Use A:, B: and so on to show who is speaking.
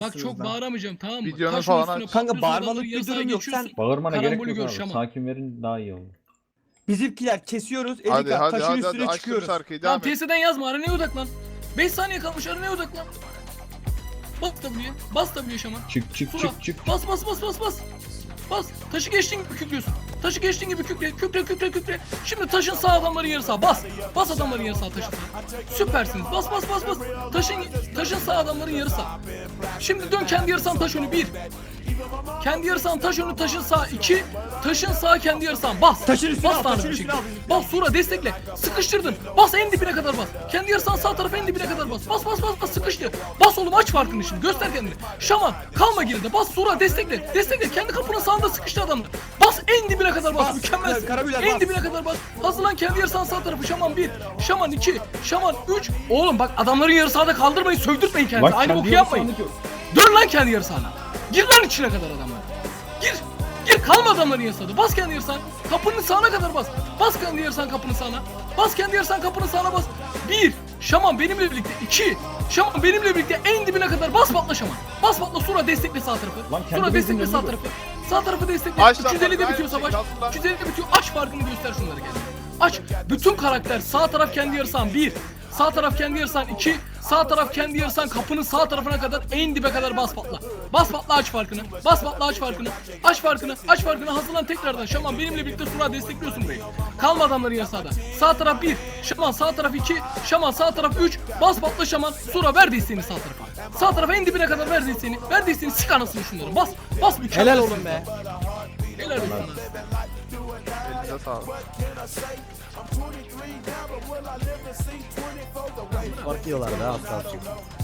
A: Bak çok bağıramayacağım, tamam mı?
B: Videonu
A: Taşın
B: falan
A: üstüne
B: aç.
C: Kanka,
A: patlıyorsun,
C: bağırmalık
A: adamların
C: bir
A: yarısına
C: durum yok.
A: geçiyorsun.
C: Sen
D: Bağırmana gerek
A: Karambolü
D: yok
A: gör,
D: abi.
A: şaman.
D: Sakin verin daha iyi olur.
C: bizimkiler kesiyoruz.
B: Hadi
C: Erika
B: hadi
C: taşın
B: hadi
C: üstüne
B: hadi açtım
C: çıkıyoruz.
B: şarkıyı
A: Tamam
B: devam et.
A: TS'den yazma, aranaya odaklan. 5 saniye kalmış, aranaya odaklan. Bas W'ye, bas W'ye şaman.
D: Çık çık
A: Sura,
D: çık çık.
A: bas bas bas bas bas. Bas. Taşı geçtiğin gibi kükrüyorsun. Taşı geçtiğin gibi kükre, kükre, kükre, kükre. Şimdi taşın sağ adamların yarı sağ. Bas. Bas adamların yarı sağ taşın sağ. Süpersiniz. Bas bas bas bas. Taşın sağ adamların yarı sağ. Şimdi dön kendi yarı sağın taş önü 1. Kendi yarı sağın taş önü taşın sağ 2. Taşın sağ kendi yarı sağın. Bas.
C: Taşın üstüne
A: bas
C: al,
A: tanrım
C: taşın
A: bir
C: üstüne
A: şekilde.
C: al.
A: Bas Sura destekle. Sıkıştırdın. Bas en dibine kadar bas. Kendi yarı sağın sağ tarafı en dibine kadar bas. Bas bas bas bas sıkıştı. Bas oğlum aç farkını şimdi. Göster kendini. Şaman kalma geride. Bas Sura destekle. Destekle. Kendi kapının sağında sıkıştı adamlar. Bas en dibine kadar bas.
C: Bas.
A: Mükemmel.
C: Karabüler,
A: En
C: bas.
A: dibine kadar bas. Hazırlan kendi yarı sağın sağ tarafı. Şaman 1. Şaman 2. Şaman 3. Oğlum bak adamların yarı sağda kaldırmayın. Sövdürtmeyin kendinizi. Aynı boku yapmayın. Dön lan kendi yarı sahana. Gir lan içine kadar adamlar. Gir. Gir kalma adamların yarı sahada. Bas kendi yarı sahana. Kapının sağına kadar bas. Bas kendi yarı sahana kapının sağına. Bas kendi yarı sahana kapının sağına bas. 1. Şaman benimle birlikte. 2. Şaman benimle birlikte en dibine kadar bas patla Şaman. Bas patla Sura destekle sağ tarafı.
D: Lan kendi
A: Sura destekle
D: bezinin
A: sağ
D: önünü
A: tarafı. Sağ tarafı destekle.
B: Aç lan
A: 350'de
B: bak,
A: bitiyor
B: aynı
A: savaş.
B: şey, kalk lan.
A: 350'de bitiyor. Aç farkını göster şunları gel. Aç. Bütün karakter sağ taraf kendi yarı sahan 1. Sağ taraf kendi yarı sahan 2. Sağ taraf kendi yarı sahan kapının sağ tarafına kadar en dibe kadar bas patla. Bas patla aç farkını. Bas patla aç farkını. Aç farkını. Aç farkını. Hazırlan tekrardan. Şaman benimle birlikte Sura destekliyorsun burayı. Kalma adamların yarı sahada. Sağ taraf 1. Şaman sağ taraf 2. Şaman sağ taraf 3. Bas patla Şaman. Sura ver desteğini sağ tarafa. Sağ tarafa en dibine kadar ver desteğini. Ver desteğini sik anasını şunları. Bas. Bas mükemmel.
C: Helal oğlum be.
A: Helal olsun.
B: Elinize sağlık.
C: Fark yiyorlar da az kalacak.